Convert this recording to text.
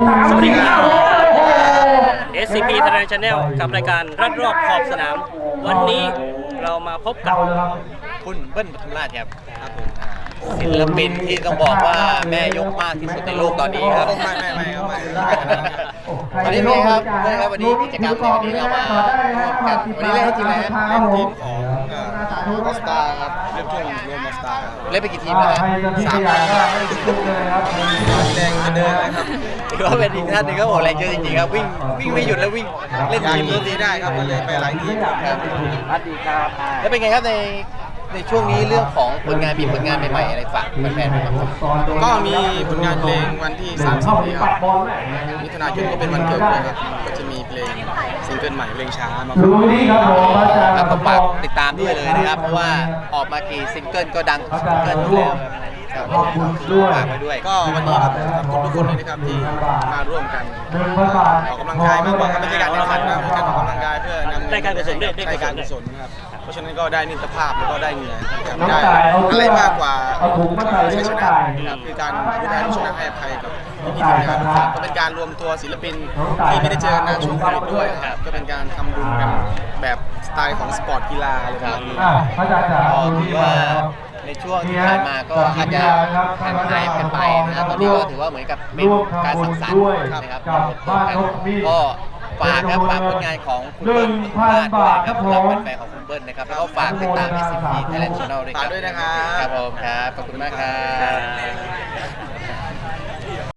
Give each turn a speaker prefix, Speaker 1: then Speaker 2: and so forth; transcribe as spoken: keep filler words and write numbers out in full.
Speaker 1: สวัสดีครับ เอส ซี พี Thailand Channel กับรายการรัดรอบขอบสนาม วันนี้เรามาพบกับ
Speaker 2: คุณเบิ้ลปทุมราชครับศิลปินที่ต้องบอกว่าแม่ยกมากที่สุดในโลกตอนนี้ครับไม่ไม่ไม่ครับไม่วันนี้เป็นไงครับเพื่อนครับวันนี้กิจกรรมในวันนี้เรามาร่วมกันวันนี้เล่นให้ทีมอะไรครับเล่นทีมของมอสตาร์ครับเล่นทีมรวมมอสตาร์เล่นไปกี่ทีมแล้วครับสามทีมแรงจะเดินนะครับถือว่าเป็นอีกท่านหนึ่งครับโอ้แรงเยอะจริงๆครับวิ่งวิ่งไม่หยุดแล้ววิ่งเล่นทีมนี้ได้ครับก็เลยไปหลายทีมครับสวัสดีครับแล้วเป็นไงครับในในช่วงนี้เรื่องของผลงานมีผลงานใหม่ๆอะไรฝากแฟนๆไหมครับ
Speaker 3: ก็มีผลงานเพลงวันที่สามสิบนี้ครับมิถุนายนก็เป็นวันเกิดด้วยครับก็จะมีเพลงซิงเกิลใหม่เพลงช้ามา
Speaker 2: ครับผมฝากติดตามด้วยเลยนะครับเพราะว่าออกมากี่ซิงเกิลก็ดังทุกซิงเกิลอยู่แล้วครับขอบคุณด้วยฝากไว้ด้วย
Speaker 3: ก็วันนี้ครับขอบคุณทุกคนเลยนะครับที่มาร่วมกันออกกำลังกายมากกว่าไม่ใช่การแข่งขันนะเป็นการออกกำลังกายเพื่อนำ
Speaker 1: ได้การกุศลด้วย
Speaker 3: ได้การกุศลครับเพราะฉะนั้นก็ได้มิตรภาพแล้วก็ได้เหงื่อได้อะไรมากกว่าชัยชนะครับคือการดูแลลูกชนะให้อภัยกับพี่ๆทีมงานทุกคนก็เป็นการรวมตัวศิลปินที่ไม่ได้เจอกันนานช่วงโควิดด้วยครับก็เป็นการทำบุญกันแบบสไตล์ของสปอร์ตกีฬาอะไรแบบนี้
Speaker 2: ก็ถือว่าในช่วงที่ผ่านมาก็อาจจะห่างหายกันไปนะครับตอนนี้ก็ถือว่าเหมือนกับเป็นการสังสรรค์นะครับก็ฝากครับฝากผลงานของคุณเบิ้ลปทุมราชด้วยนะครับสำหรับแฟนๆของคุณเบิ้ลนะครับแล้วก็ฝากติดตาม เอส ซี พี Thailand Channel ด้วยครับ
Speaker 3: ฝากด้วยนะครับ
Speaker 2: ครับผมครับขอบคุณมากครับ